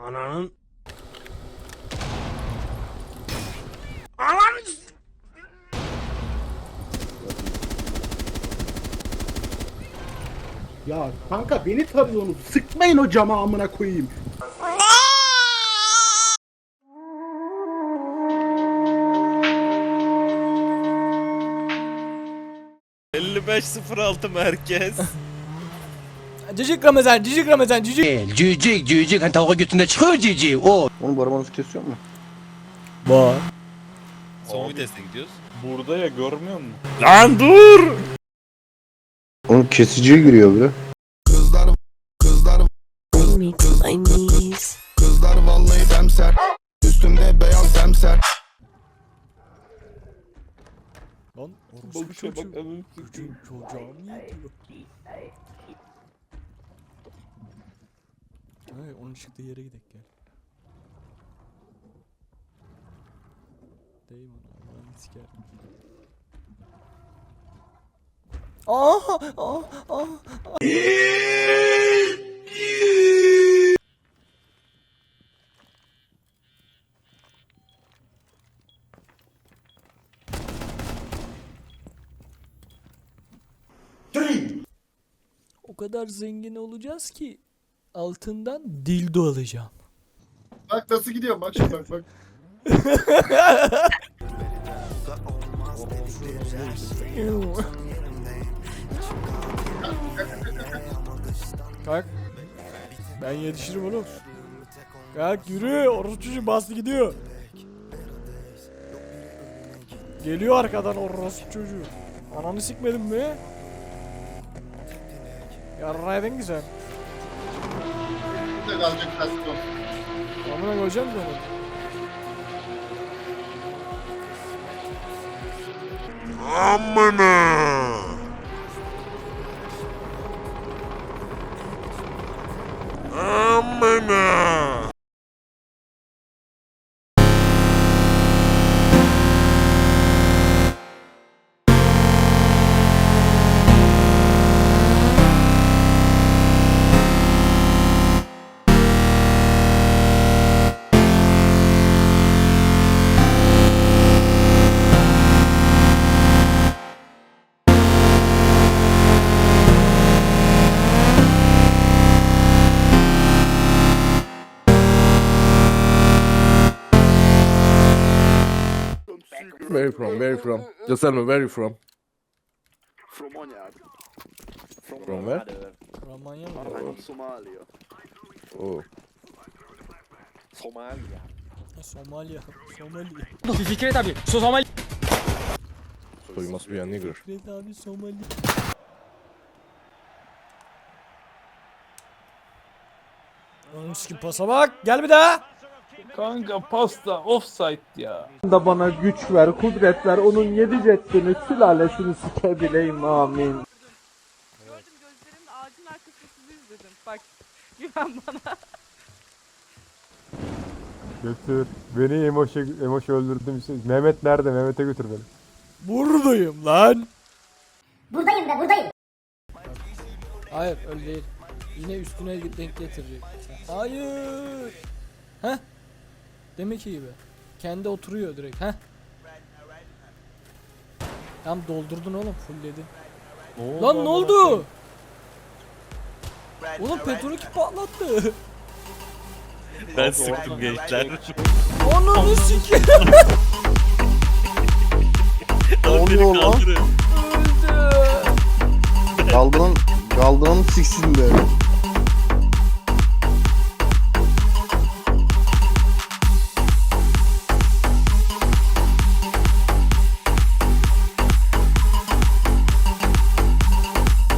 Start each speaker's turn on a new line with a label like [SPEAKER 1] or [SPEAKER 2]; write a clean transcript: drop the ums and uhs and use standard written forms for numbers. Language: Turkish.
[SPEAKER 1] Ananın. Ananın.
[SPEAKER 2] Ya kanka beni tarıyorsunuz. Sıkmayın o cama amına koyayım.
[SPEAKER 3] ...55-06 merkez.
[SPEAKER 4] Cicik Ramazan, cicik Ramazan, cicik.
[SPEAKER 5] Cücük hani tavuğa götünde çıkıyor cücük o.
[SPEAKER 6] Onun bu arabanın vitesi yok mu?
[SPEAKER 4] Var.
[SPEAKER 3] Son viteste gidiyoruz.
[SPEAKER 7] Burada ya, görmüyor musun?
[SPEAKER 3] Lan dur!
[SPEAKER 6] Onun kesiciye giriyor bre.
[SPEAKER 8] Kızlar vallahi demser. Üstümde beyaz demser.
[SPEAKER 4] Lan
[SPEAKER 7] Bak
[SPEAKER 4] orospu
[SPEAKER 7] şuna bak,
[SPEAKER 4] çocuğu.
[SPEAKER 7] ananı
[SPEAKER 4] Çocuğum
[SPEAKER 7] sikeyim.
[SPEAKER 4] çocuğum yetiyor. Hey, onun çıktığı yere gidelim gel. Değil mi? Allah'ını sikerim. Aha! O kadar zengin olacağız ki altından dildo alacağım.
[SPEAKER 2] Bak nasıl gidiyor bak şimdi bak.
[SPEAKER 4] Kalk. Ben yetişirim oğlum. Kalk yürü. Orospu çocuğu bastı gidiyor. Geliyor arkadan orospu çocuğu. Ananı sikmedin mi? Yarraydın ki sen.
[SPEAKER 2] Burada kalacak kaston.
[SPEAKER 4] Amına koyacağım seni.
[SPEAKER 9] Where you from? Just tell me where you from. From where?
[SPEAKER 4] Romanya mı?
[SPEAKER 9] Oh.
[SPEAKER 4] Somalya. Somali.
[SPEAKER 9] So you must be a nigger.
[SPEAKER 4] Fikret abi Somali. Oğlum sikim pasa bak. Gel bir daha.
[SPEAKER 7] Kanka pasta offside ya.
[SPEAKER 2] Da bana güç ver, kudret ver, onun 7 ceddini, sülalesini sikebileyim amin.
[SPEAKER 10] Gördüm gözlerimle ağacın arkasında sizi izledim. Bak güven bana.
[SPEAKER 7] Götür. Beni Emoş öldürdüm. Mehmet nerede? Mehmet'e götür beni.
[SPEAKER 4] Buradayım lan.
[SPEAKER 11] Buradayım da buradayım.
[SPEAKER 4] Hayır öyle değil. Yine üstüne denk getirecek. Hayır. Heh. Demek ki gibi. Kendi oturuyor direkt. Heh. Tam doldurdun oğlum fullledin. Lan ne oldu? Oğlum petrolü patlattı.
[SPEAKER 3] Ben sıktım gençler.
[SPEAKER 4] Ananı sikeyim.
[SPEAKER 6] Ne oluyor lan?
[SPEAKER 4] Öldü.
[SPEAKER 6] Kaldıran siksin be.